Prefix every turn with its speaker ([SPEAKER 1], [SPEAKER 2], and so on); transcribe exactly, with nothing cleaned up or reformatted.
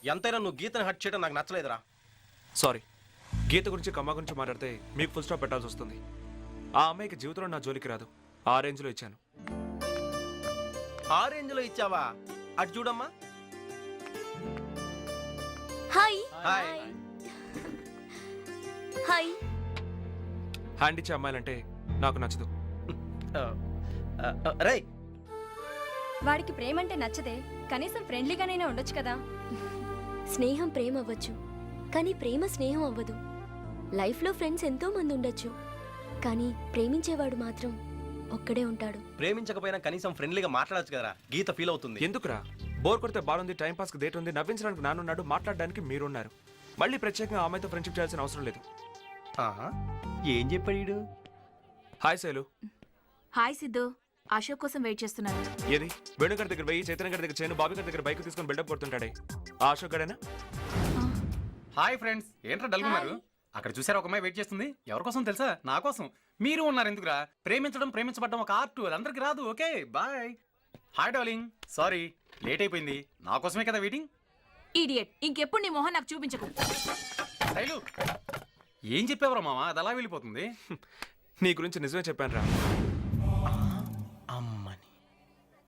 [SPEAKER 1] ఎంతైనా నువ్వు గీతను హట్ చేయడం నాకు నచ్చలేదురా.
[SPEAKER 2] సారీ, గీత గురించి కమ్మ గురించి మాట్లాడితే మీకు ఫుల్ స్టాప్ పెట్టాల్సి వస్తుంది. ఆ అమ్మాయికి జీవితంలో నా జోలికి రాదు. ఆ రేంజ్లో ఇచ్చాను.
[SPEAKER 1] ఆ రేంజ్ లో ఇచ్చావా? అటు చూడమ్మా.
[SPEAKER 3] Hi
[SPEAKER 1] hi.
[SPEAKER 3] హాయ్.
[SPEAKER 2] హ్యాండ్ ఇచ్చే అమ్మాయిలంటే నాకు నచ్చదు.
[SPEAKER 1] రే,
[SPEAKER 3] వాడికి ప్రేమ అంటే నచ్చదే, కనీసం ఫ్రెండ్లీగానైనా ఉండొచ్చు కదా.
[SPEAKER 4] స్నేహం ప్రేమ అవ్వచ్చు, కానీ ప్రేమ స్నేహం అవ్వదు. లైఫ్లో ఫ్రెండ్స్ ఎంతో మంది ఉండొచ్చు, కానీ ప్రేమించేవాడు మాత్రం ఒక్కడే ఉంటాడు.
[SPEAKER 1] ప్రేమించకపోయినా కనీసం ఫ్రెండ్లీగా మాట్లాడచ్చు కదరా, గీత ఫీల్ అవుతుంది.
[SPEAKER 2] ఎందుకురా? బోర్ కొడితే బాగుంది, టైం పాస్కి డేట్ ఉంది, నవ్వించడానికి నానున్నాడు, మాట్లాడడానికి మీరున్నారు. మళ్ళీ ప్రత్యేకంగా ఆమెతో ఫ్రెండ్షిప్ చేయాల్సిన అవసరం లేదు.
[SPEAKER 1] ఆహా, ఏం చెప్పాడు?
[SPEAKER 2] హాయ్ శైలు.
[SPEAKER 5] హాయ్ సిద్ధు, అశోక్ కోసం వెయిట్ చేస్తున్నాను.
[SPEAKER 2] ఏది వేణుగారి దగ్గర వెయ్యి, చైతన్య గారి దగ్గర చేయను, బాబీ గారి దగ్గర బైక్ తీసుకొని బిల్డప్ కొడుతుంటాడే ఆ అశోక్ గడేనా?
[SPEAKER 6] హాయ్ ఫ్రెండ్స్, ఏంట్రా డల్గున్నారు? అక్కడ చూసారా ఒక అమ్మాయి వెయిట్ చేస్తుంది. ఎవరి కోసం తెలుసా? నా కోసం. మీరు ఉన్నారు ఎందుకురా? ప్రేమించడం ప్రేమించబడ్డం ఒక ఆర్ట్, అది అందరికి రాదు. Okay bye. Hi darling, sorry late అయిపోయింది. నా కోసమే కదా వెయిటింగ్.
[SPEAKER 5] ఈడియట్, ఇంకెప్పుడు నీ మొహం నాకు చూపించకు.
[SPEAKER 6] శైలు, ఏం చెప్పేవరా మామ? అది అలా వెళ్ళిపోతుంది.
[SPEAKER 2] నీ గురించి నిజమే చెప్పాను రా.